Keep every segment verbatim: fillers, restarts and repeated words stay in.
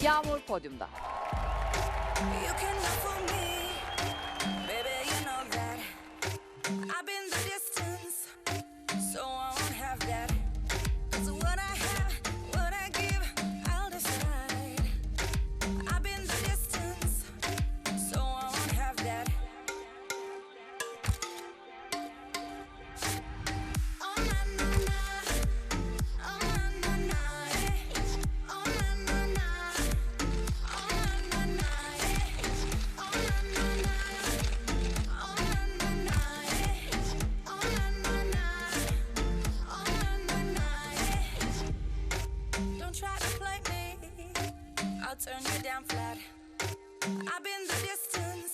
Yağmur podyumda. You can look for me, baby, you know that. I've been the distance, so I won't have that. 'Cause what I have, what I give, I'll decide. I've been the distance, so I won't have that. Oh na na na, oh na na na, eh. Oh na na na, oh na na na, eh. Oh na na na, oh na na na, eh. Oh na na na, oh na na na, eh. Don't try to play me, I'll turn you down flat. I've been the distance,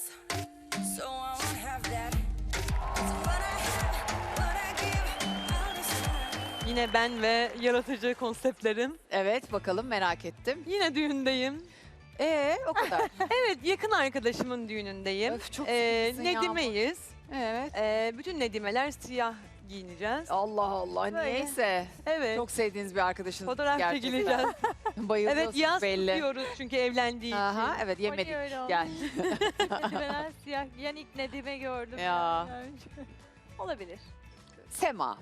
so I won't have that. 'Cause what I have, what I give, I'll decide. Yine ben ve yaratıcı konseptlerim. Evet bakalım merak ettim. Yine düğündeyim. Ee o kadar. Evet, yakın arkadaşımın düğünündeyim. Öf, çok Ee, sıkıcısın Yağmur. Nedime'yiz. Evet. Ee, bütün Nedimeler siyah giyineceğiz. Allah Allah Böyle. niyeyse. Evet. Çok sevdiğiniz bir arkadaşınız. Fotoğraf gerçekten. çekileceğiz. Bayılıyorsunuz Evet, yaz belli. tutuyoruz çünkü evlendiği için. Aha, evet yemedik. Hani öyle oldu. Gel. Nedimeler siyah giyen ilk Nedime gördüm. Ya. yani. Olabilir. Sema.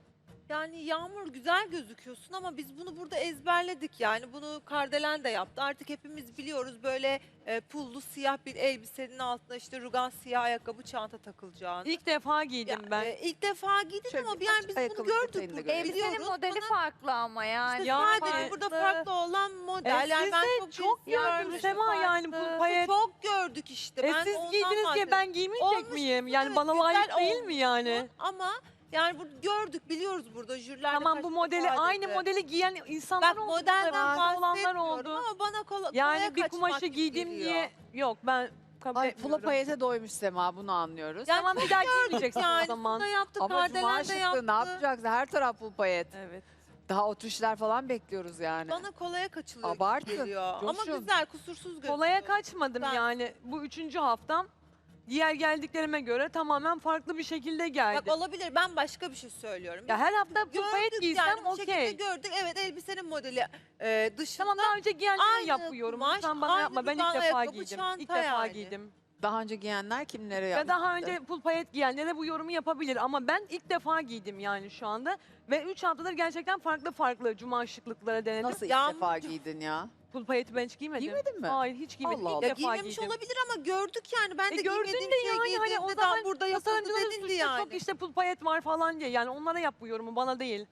Yani Yağmur güzel gözüküyorsun ama biz bunu burada ezberledik yani bunu Kardelen de yaptı. Artık hepimiz biliyoruz böyle e, pullu siyah bir elbisenin altına işte rugan siyah ayakkabı çanta takılacağını. İlk defa giydim Ya, ben. e, ilk defa giydin Şöyle ama bir yani aç biz ayakkabı bunu gördük detayını da burada görelim. Elbisenin biliyoruz. modeli Bana farklı ama yani. işte Ya sadece farklı. burada farklı olan model. E, yani siz ben de çok, çok cins gördüm görmüşüm. Sema yani farklı. bu payet. Çok gördük işte. E ben siz ondan giydiniz diye bahsediyorum. ben giymeyecek Olmuş, miyim? Yani evet, bana güzel layık değil mi olmuş yani? Ama yani bu gördük biliyoruz burada jüriler de Tamam kaç bu defa modeli aynı dedi. modeli giyen insanlar Bak oldu. modelden farklı olanlar bahsetmiyorum oldu. ama bana kola, Yani kolaya bir kaçmak kumaşı gibi giydim geliyor. diye yok ben kabul Ay pula etmiyorum. payete doymuş Sema bunu anlıyoruz. Yani Tamam bir daha giymeyeceksin yani o zaman. bunu da yaptı, Ama cuma Kardelen de şıklığı yaptı. ne yapacaksın? Her taraf pul payet. Evet. Daha oturuşlar falan bekliyoruz yani. Bana kolaya kaçılıyor Abartın, gibi geliyor. Ama coşun. güzel, kusursuz gözüküyor. Kolaya kaçmadım Ben- yani. Bu üçüncü haftam. Diğer geldiklerime göre tamamen farklı bir şekilde geldi. Bak olabilir, ben başka bir şey söylüyorum. Ya her hafta Gördük payet giysem yani, bu şekilde okey. gördük. Evet elbisenin modeli e, dışında. Tamam daha önce giyenleri aynı yapıyorum. kumaş, Lütfen bana aynı yapma. Ben ilk duban defa ayakkabı, giydim. çanta İlk defa yani. giydim. Daha önce giyenler kimlere Ve yaptı? daha önce pul payet giyenlere bu yorumu yapabilir ama ben ilk defa giydim yani şu anda. Ve üç haftadır gerçekten farklı farklı cuma şıklıkları denedim. Nasıl ilk Yağmurcuğum. defa giydin ya? Pul payeti ben hiç giymedim. Giymedin mi? Hayır hiç giymedim. Allah İlk Allah. Ya defa giymemiş giydim. olabilir ama gördük yani. Ben E de gördün giymediğim de şey yani hani giydiğimde o daha zaman burada yapıldı tasarımcıların dedin suçu yani. çok işte pul payet var falan diye. Yani onlara yap bu yorumu bana değil.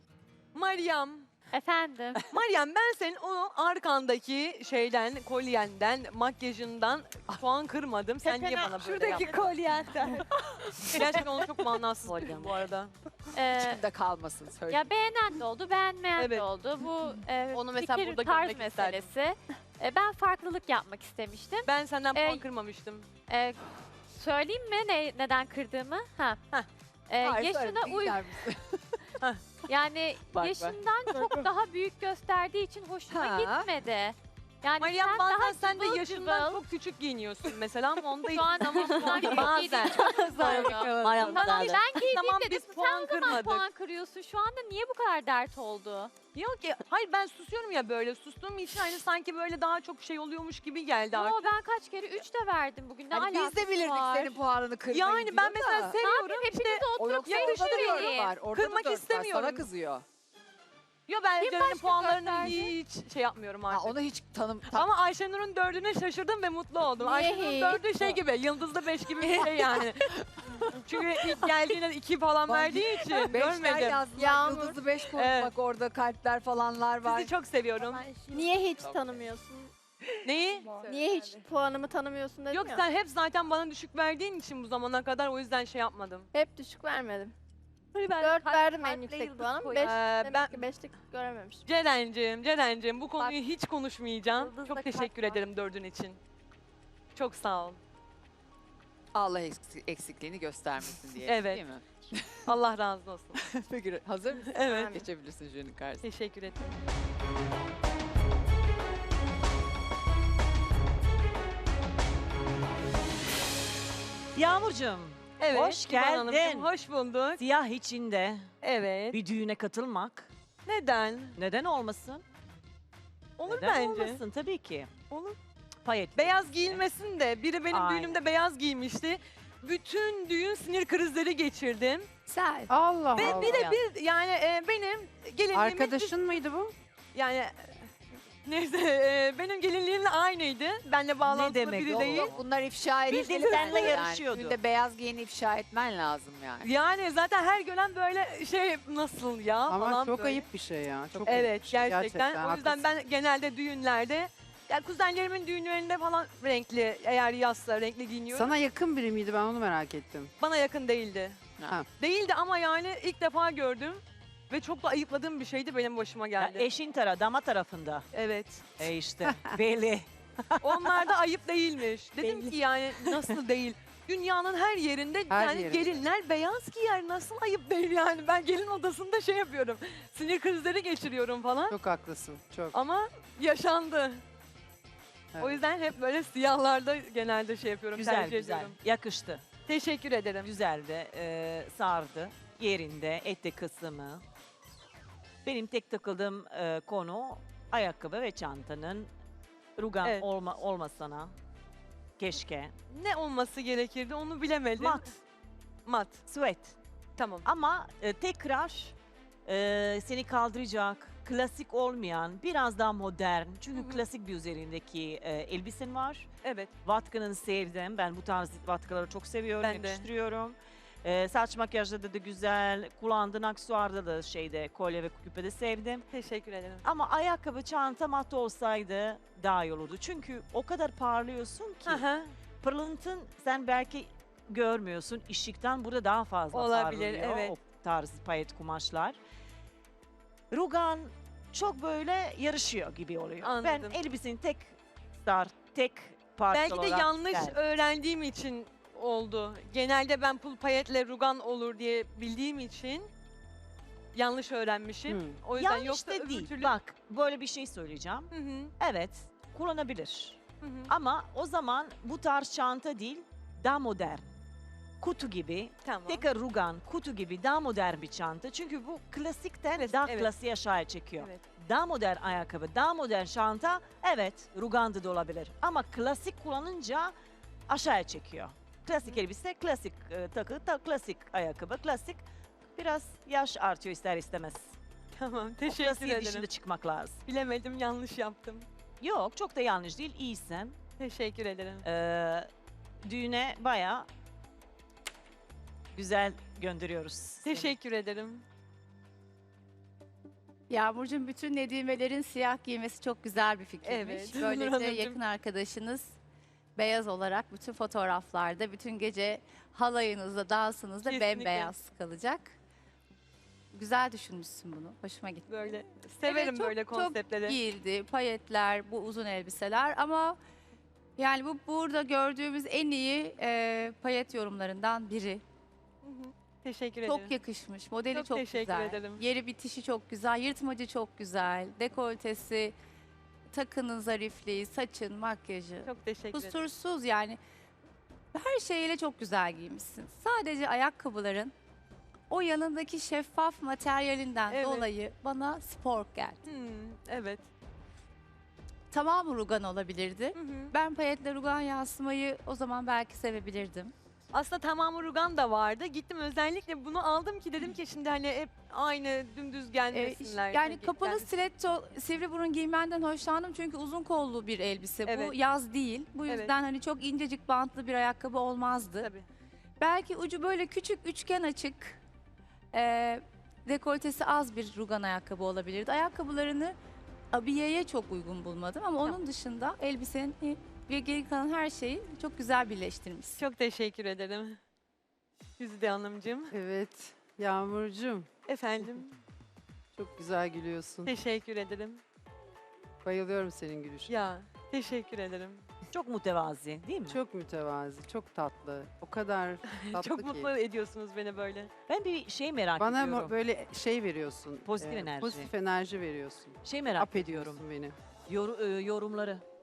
Meryem. Efendim. Meryem ben senin o arkandaki şeyden, kolyenden, makyajından puan kırmadım. Sen niye bana böyle Şuradaki yaptın? kolyenden. Gerçekten onu çok manasız buldum bu arada. Ee, İçimde kalmasın söyle. ya beğenen de oldu, beğenmeyen Evet. de oldu. Bu e, Onu mesela fikir, burada tarz görmek isterdim. meselesi. E, ben farklılık yapmak istemiştim. Ben senden puan Ee, kırmamıştım. E, söyleyeyim mi ne, neden kırdığımı? Ha. Heh. E, Hayır, yaşına söyle, uy gider misin? yani Bak, bak. yaşından çok daha büyük gösterdiği için hoşuma Ha. gitmedi. Yani Meryem sen bazen daha sen de cıvıl yaşından cıvıl. çok küçük giyiniyorsun mesela ama onda hiç Şu an ama şu an çok iyi bazen. değil. Meryem Tamam bazen. ben giydiğim Tamam dedim. biz Sen puan o zaman kırmadık. puan kırıyorsun. Şu anda niye bu kadar dert oldu? Yok ki hayır ben susuyorum ya böyle sustuğum için hani sanki böyle daha çok şey oluyormuş gibi geldi Yo artık. ben kaç kere üç de verdim bugün. Ne Hani biz de alakası bilirdik var? senin puanını kırmayı Yani ben diyor mesela da. seviyorum Hepiniz işte de O oturup yoksa orada da yarışmayın. dört var. Orada Kırmak da dört var. istemiyorum. Sana kızıyor. yo ben Kim Ceren'in başka puanlarını gösterdi? hiç şey yapmıyorum Ha, artık. onu hiç tanım... Tam, Ama Ayşenur'un dördüne şaşırdım ve mutlu oldum. Niye Ayşenur'un hiç? dördü şey gibi, yıldızlı beş gibi bir şey yani. Çünkü ilk geldiğinde iki falan Bak, verdiği için beşler görmedim. yazdılar. Yağmur. Yıldızlı beş koyduk Evet. bak orada kalpler falanlar var. Sizi çok seviyorum. Niye hiç tanımıyorsun? Neyi? Niye hiç puanımı tanımıyorsun dedim Yok ya. sen hep zaten bana düşük verdiğin için bu zamana kadar o yüzden şey yapmadım. Hep düşük vermedim. Hani ben Dört kalp- verdim en kalple yüksek yıldız puanım. koy- Beş, Ee, demek ben- ki beşlik görememişim. Ceren'cim, Ceren'cim bu konuyu hiç konuşmayacağım. Yıldızda Çok kalp teşekkür var. ederim dördün için. Çok sağ ol. Allah eksik- eksikliğini göstermesin diye. Evet. Değil mi? Allah razı olsun. Peki hazır mısın? Evet. Geçebilirsin jürinin karşısına. Teşekkür ederim. Yağmurcuğum, Evet. Hoş İvan Hanımcığım, geldin. hoş bulduk. siyah içinde Evet. bir düğüne katılmak Neden? neden olmasın? Olur Neden bence. olmasın? Tabii ki. Olur. Payet. Beyaz giyilmesin de. Biri benim Aynen. düğünümde beyaz giymişti. Bütün düğün sinir krizleri geçirdim. Güzel. Allah Ve Allah. bir de bir yani e, benim gelinliğimiz... Arkadaşın mıydı bu? Yani e, neyse e, benim gelinliğimle aynıydı. Benle bağlantılı demek biri o? değil. Yok, bunlar ifşa edilmeli. Bildiğin seninle yani. yarışıyordu. Düğünde beyaz giyini ifşa etmen lazım yani. Yani zaten her gören böyle şey nasıl ya Ama falan çok böyle. ayıp bir şey ya. Çok ayıp Evet bir şey. gerçekten. O yüzden haklısın. ben genelde düğünlerde yani kuzenlerimin düğünlerinde falan renkli eğer yazsa renkli giyiniyorum. Sana yakın biri miydi, ben onu merak ettim. Bana yakın değildi. Ha. Değildi ama yani ilk defa gördüm ve çok da ayıpladığım bir şeydi benim başıma Ya geldi. eşin tara, dama tarafında. Evet. E işte belli. Onlar da ayıp değilmiş. Dedim Belli. ki yani nasıl değil? Dünyanın her yerinde Her yani yerinde. gelinler beyaz giyer. Nasıl ayıp değil yani? Ben gelin odasında şey yapıyorum. Sinir krizleri geçiriyorum falan. Çok haklısın. Çok. Ama yaşandı. Evet. O yüzden hep böyle siyahlarda genelde şey yapıyorum. Güzel tercih güzel. ediyorum. Yakıştı. Teşekkür ederim. Güzel de e, sardı. Yerinde etek kısmı. Benim tek takıldığım e, konu ayakkabı ve çantanın rugan Evet. olma, olmasana. Keşke. Ne olması gerekirdi onu bilemedim. Mat, Mat. sweat. Tamam. Ama e, tekrar e, seni kaldıracak, klasik olmayan, biraz daha modern. Çünkü Hı hı. klasik bir üzerindeki e, elbisen var. Evet. Vatkanın sevdim. Ben bu tarz vatkaları çok seviyorum, Ben de. yakıştırıyorum. Ee, saç makyajda da güzel. Kullandığın aksesuarda da şeyde kolye ve küpede sevdim. Teşekkür ederim. Ama ayakkabı, çanta mat olsaydı daha iyi olurdu. Çünkü o kadar parlıyorsun ki Aha. pırlantın sen belki görmüyorsun. Işıktan burada daha fazla Olabilir, parlıyor evet. o tarz payet kumaşlar. Rugan çok böyle yarışıyor gibi oluyor. Anladım. Ben elbisenin tek star, tek parça Belki de olarak yanlış geldim. öğrendiğim için oldu. Genelde ben pul payetle rugan olur diye bildiğim için yanlış öğrenmişim. Hmm. O yüzden Yanlış yoksa da öbür değil. türlü... Bak böyle bir şey söyleyeceğim. Hı hı, Evet kullanabilir. hı hı. Ama o zaman bu tarz çanta değil daha modern. Kutu gibi, Tamam. tekrar rugan, kutu gibi daha modern bir çanta. Çünkü bu klasikten Klasik, daha evet. klasiğe aşağıya çekiyor. Evet. Daha modern ayakkabı, daha modern çanta evet ruganda da olabilir. Ama klasik kullanınca aşağıya çekiyor. Klasik elbise, klasik e, takı, ta, klasik ayakkabı, klasik biraz yaş artıyor ister istemez. Tamam. O Teşekkür klasiğin ederim. dışında çıkmak lazım. Bilemedim, yanlış yaptım. Yok çok da yanlış değil, iyisin. Teşekkür ederim. Ee, düğüne bayağı güzel gönderiyoruz. seni. Teşekkür ederim. Yağmurcuğum bütün Nedimelerin siyah giymesi çok güzel bir fikirmiş. Evet, Nur Böylece Hanımcığım. yakın arkadaşınız beyaz olarak bütün fotoğraflarda, bütün gece halayınızda, dansınızda Kesinlikle. bembeyaz kalacak. Güzel düşünmüşsün bunu. Hoşuma gitti. Böyle severim çok- böyle çok konseptleri. Giyildi, payetler, bu uzun elbiseler ama yani bu burada gördüğümüz en iyi e, payet yorumlarından biri. Hı hı. Teşekkür ederim. Çok yakışmış. Modeli Çok çok, teşekkür güzel. ederim. Yeri bitişi çok güzel. Yırtmacı çok güzel. Dekoltesi, takının zarifliği, saçın, makyajı. Çok teşekkür ederim. Kusursuz yani. Her şeyle çok güzel giymişsin. Sadece ayakkabıların o yanındaki şeffaf materyalinden Evet. dolayı bana spor geldi. Hmm, evet. Tamamı rugan olabilirdi. Hı hı. Ben payetle rugan yansımayı o zaman belki sevebilirdim. Aslında tamamı rugan da vardı. Gittim özellikle bunu aldım ki dedim ki şimdi hani hep aynı dümdüz Ee, gelmesinler. yani Hani kapalı gelmesin. stiletto sivri burun giymenden hoşlandım çünkü uzun kollu bir elbise. Bu Evet. yaz değil. Bu Evet. yüzden hani çok incecik bantlı bir ayakkabı olmazdı. Tabii. Belki ucu böyle küçük üçgen açık, e, dekoltesi az bir rugan ayakkabı olabilirdi. Ayakkabılarını abiyeye çok uygun bulmadım ama onun dışında elbisenin ve geri kalan her şeyi çok güzel birleştirmişsin. Çok teşekkür ederim. Güzide Hanımcığım. Evet. Yağmurcuğum, Efendim. çok güzel gülüyorsun. Teşekkür ederim. Bayılıyorum senin gülüşüne. Ya teşekkür ederim. Çok mütevazi değil mi? Çok mütevazi, çok tatlı. O kadar tatlı Çok ki. mutlu ediyorsunuz beni böyle. Ben bir şey merak Bana ediyorum. mo- böyle şey veriyorsun. Pozitif enerji. Pozitif enerji veriyorsun. Şey merak Ap ediyorum. ediyorsun beni. Yor- e, yorumları.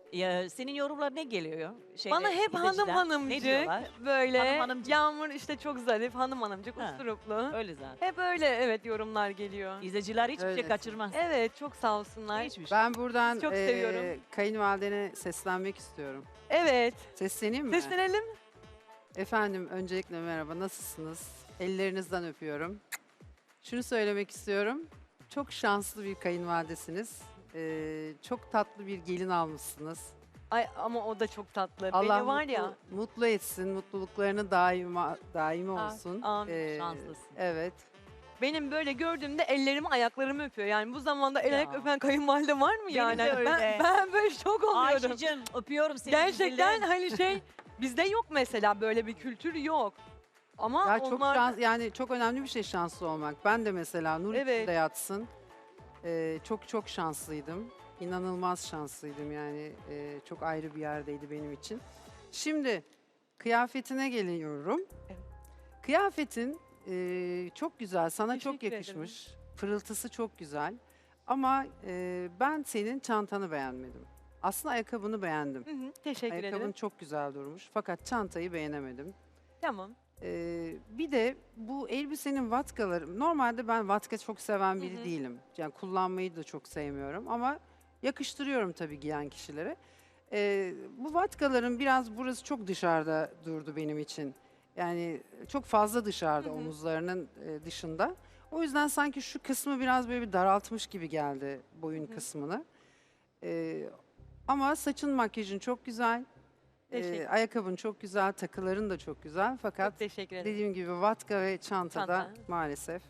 Ya, senin yorumlar ne geliyor? Şeyde, Bana hep hanım izleyiciler Ne hanımcık, diyorlar? böyle Hanım hanımcık. Yağmur işte çok zarif, hanım hanımcık, Ha. usturuplu. Öyle zaten. Hep öyle evet yorumlar geliyor. İzleyiciler hiçbir şey Öylesin. kaçırmaz. Evet çok sağ olsunlar. Hiçbir şey. Ben buradan Çok eee, seviyorum. kayınvalidene seslenmek istiyorum. Evet. Sesleneyim mi? Seslenelim. Efendim öncelikle merhaba, nasılsınız? Ellerinizden öpüyorum. Şunu söylemek istiyorum. Çok şanslı bir kayınvalidesiniz. Ee, çok tatlı bir gelin almışsınız. Ay ama o da çok tatlı. Allah Beni var mutlu, ya. mutlu etsin, mutluluklarını daima daimi Ah, olsun. amin. Ee, Şanslısın. Evet. Benim böyle gördüğümde ellerimi ayaklarımı öpüyor. Yani bu zamanda el ayak Ya. öpen kayınvalide var mı Benim yani? de öyle. Ben, ben böyle şok oluyorum. Ayşe'cim öpüyorum seni. Gerçekten güzelim. hani şey bizde yok mesela böyle bir kültür yok. Ama Ya çok onlar şans, yani çok önemli bir şey şanslı olmak. Ben de mesela nur Evet. içinde yatsın. Ee, çok çok şanslıydım. İnanılmaz şanslıydım yani. Ee, çok ayrı bir yerdeydi benim için. Şimdi kıyafetine geliyorum. Evet. Kıyafetin e, çok güzel, sana çok Teşekkür ederim. yakışmış. Pırıltısı çok güzel. Ama e, ben senin çantanı beğenmedim. Aslında ayakkabını beğendim. Hı hı, teşekkür Ayakkabın ederim. çok güzel durmuş. Fakat çantayı beğenemedim. Tamam. Ee, bir de bu elbisenin vatkaları, normalde ben vatka çok seven biri Hı hı. değilim. Yani kullanmayı da çok sevmiyorum ama yakıştırıyorum tabii giyen kişilere. Ee, bu vatkaların biraz burası çok dışarıda durdu benim için. Yani çok fazla dışarıda Hı hı. omuzlarının e, dışında. O yüzden sanki şu kısmı biraz böyle bir daraltmış gibi geldi boyun Hı hı. kısmını. Ee, ama saçın makyajın çok güzel. Teşekkür. Ee, ayakkabın çok güzel, takıların da çok güzel. Fakat Çok teşekkür ederim. dediğim gibi vatka ve çantada Çanta. maalesef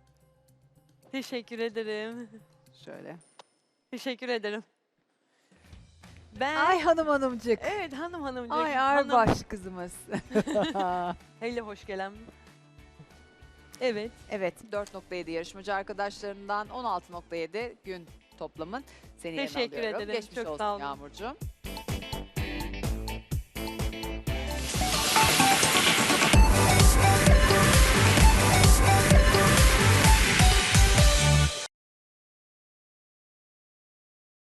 Teşekkür ederim. şöyle. Teşekkür ederim. Ben Ay hanım hanımcık. evet hanım hanımcık. Ay hanım. Arbaş kızımız. Hele hoş gelen. Evet. Evet dört nokta yedi yarışmacı arkadaşlarından on altı nokta yedi gün toplamın. Seni yerine Teşekkür alıyorum. ederim, Geçmiş çok olsun sağ olun. Yağmurcuğum.